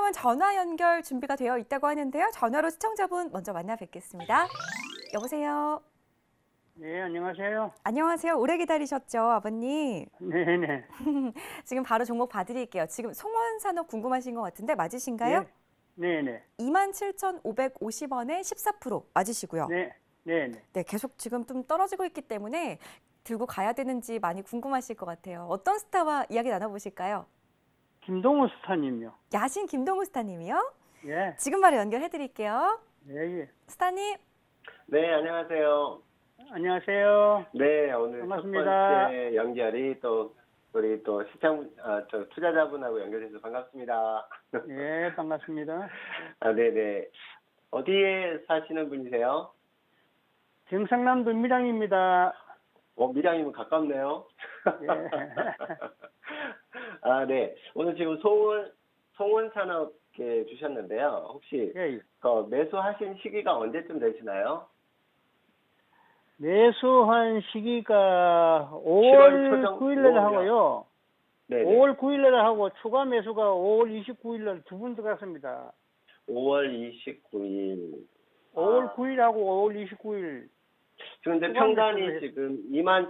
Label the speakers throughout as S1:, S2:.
S1: 지금은 전화 연결 준비가 되어 있다고 하는데요. 전화로 시청자분 먼저 만나 뵙겠습니다. 여보세요.
S2: 네, 안녕하세요.
S1: 안녕하세요. 오래 기다리셨죠, 아버님?
S2: 네네.
S1: 지금 바로 종목 봐드릴게요. 지금 송원산업 궁금하신 것 같은데 맞으신가요?
S2: 네네.
S1: 27,550원에 14% 맞으시고요.
S2: 네, 네네.
S1: 네, 계속 지금 좀 떨어지고 있기 때문에 들고 가야 되는지 많이 궁금하실 것 같아요. 어떤 스타와 이야기 나눠보실까요?
S2: 김동우 스타님요.
S1: 야신 김동우 스타님이요?
S2: 예,
S1: 지금 바로 연결해드릴게요.
S2: 예, 예.
S1: 스타님.
S3: 네, 안녕하세요.
S2: 안녕하세요.
S3: 네, 오늘
S2: 반갑습니다.
S3: 첫 번째 연결이 또 우리 또 투자자분하고 연결돼서 반갑습니다.
S2: 예, 반갑습니다.
S3: 아, 네네. 어디에 사시는 분이세요?
S2: 경상남도 밀양입니다.
S3: 밀양이면 가깝네요.
S2: 예.
S3: 아, 네. 오늘 지금 송원산업에 주셨는데요. 혹시
S2: 예, 예.
S3: 매수하신 시기가 언제쯤 되시나요?
S2: 매수한 시기가
S3: 7월
S2: 5월
S3: 초정
S2: 9일 날
S3: 5월이요.
S2: 하고요.
S3: 네.
S2: 5월 9일 날 하고 추가 매수가 5월 29일 날 두 분 들어갔습니다.
S3: 5월 29일.
S2: 5월 9일 하고 5월 29일.
S3: 지금 근데
S2: 추가
S3: 평단이
S2: 매수를
S3: 지금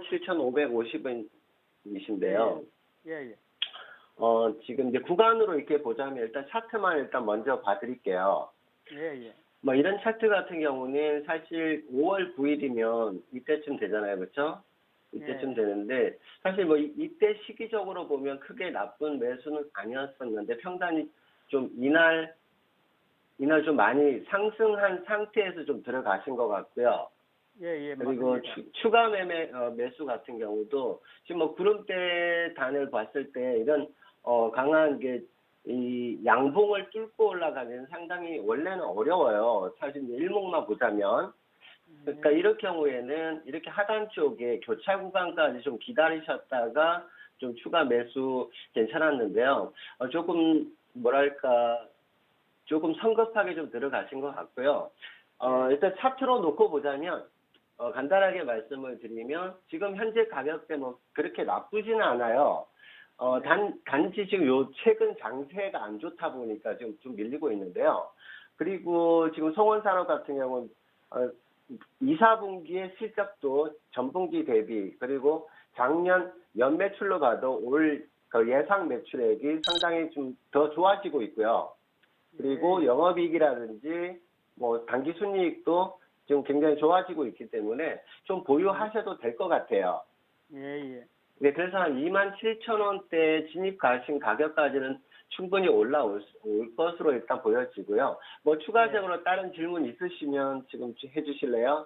S3: 27,550원이신데요.
S2: 예, 예.
S3: 지금 이제 구간으로 이렇게 보자면 일단 차트만 일단 먼저 봐드릴게요.
S2: 예, 예.
S3: 뭐 이런 차트 같은 경우는 사실 5월 9일이면 이때쯤 되잖아요. 그렇죠? 이때쯤
S2: 예.
S3: 되는데 사실 뭐 이때 시기적으로 보면 크게 나쁜 매수는 아니었었는데 평단이 좀 이날 좀 많이 상승한 상태에서 좀 들어가신 것 같고요.
S2: 예, 예.
S3: 그리고
S2: 맞습니다.
S3: 추가 매수 같은 경우도 지금 뭐 구름대 단을 봤을 때 이런 강한 이 양봉을 뚫고 올라가면 상당히 원래는 어려워요. 사실 이제 일목만 보자면. 그러니까 이럴 경우에는 이렇게 하단 쪽에 교차 구간까지 좀 기다리셨다가 좀 추가 매수 괜찮았는데요. 조금 뭐랄까 조금 성급하게 좀 들어가신 것 같고요. 일단 차트로 놓고 보자면 간단하게 말씀을 드리면 지금 현재 가격대 뭐 그렇게 나쁘지는 않아요. 단지 지금 최근 장세가 안 좋다 보니까 지금 좀 밀리고 있는데요. 그리고 지금 송원산업 같은 경우는 2, 4분기의 실적도 전분기 대비 그리고 작년 연매출로 봐도 올 예상 매출액이 상당히 좀 더 좋아지고 있고요. 그리고 영업이익이라든지 뭐 단기 순이익도 지금 굉장히 좋아지고 있기 때문에 좀 보유하셔도 될 것 같아요.
S2: 예, 예.
S3: 네, 그래서 한 27,000원대 진입 가신 가격까지는 충분히 올라올 것으로 일단 보여지고요. 뭐 추가적으로 다른 질문 있으시면 지금 해주실래요?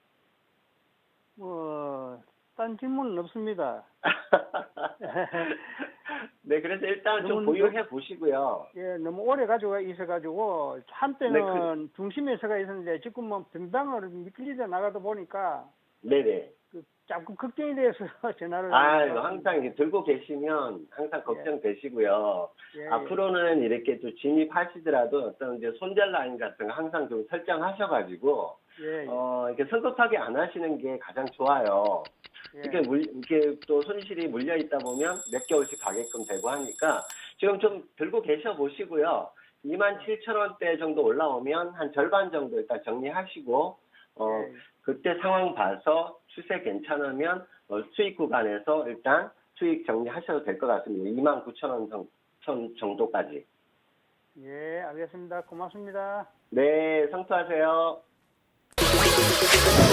S2: 딴 질문은 없습니다.
S3: 네, 그래서 일단 좀 보유해 보시고요.
S2: 예, 너무 오래 가지고 있어가지고 한때는
S3: 네,
S2: 중심에서가 있었는데 지금 뭐 변방을 미끌리다 나가다 보니까
S3: 네네.
S2: 자꾸 걱정이 돼서 전화를.
S3: 항상 이렇게 들고 계시면 항상 걱정되시고요.
S2: 예,
S3: 앞으로는 이렇게 또 진입하시더라도 어떤 이제 손절 라인 같은 거 항상 좀 설정하셔가지고,
S2: 예, 예.
S3: 이렇게 성급하게 안 하시는 게 가장 좋아요.
S2: 예.
S3: 이렇게 또 손실이 물려 있다 보면 몇 개월씩 가게끔 되고 하니까 지금 좀 들고 계셔 보시고요. 27,000원대 정도 올라오면 한 절반 정도 일단 정리하시고,
S2: 예.
S3: 그때 상황 봐서 추세 괜찮으면 수익 구간에서 일단 수익 정리하셔도 될 것 같습니다. 29,000원 정도까지.
S2: 예, 알겠습니다. 고맙습니다.
S3: 네, 성투하세요.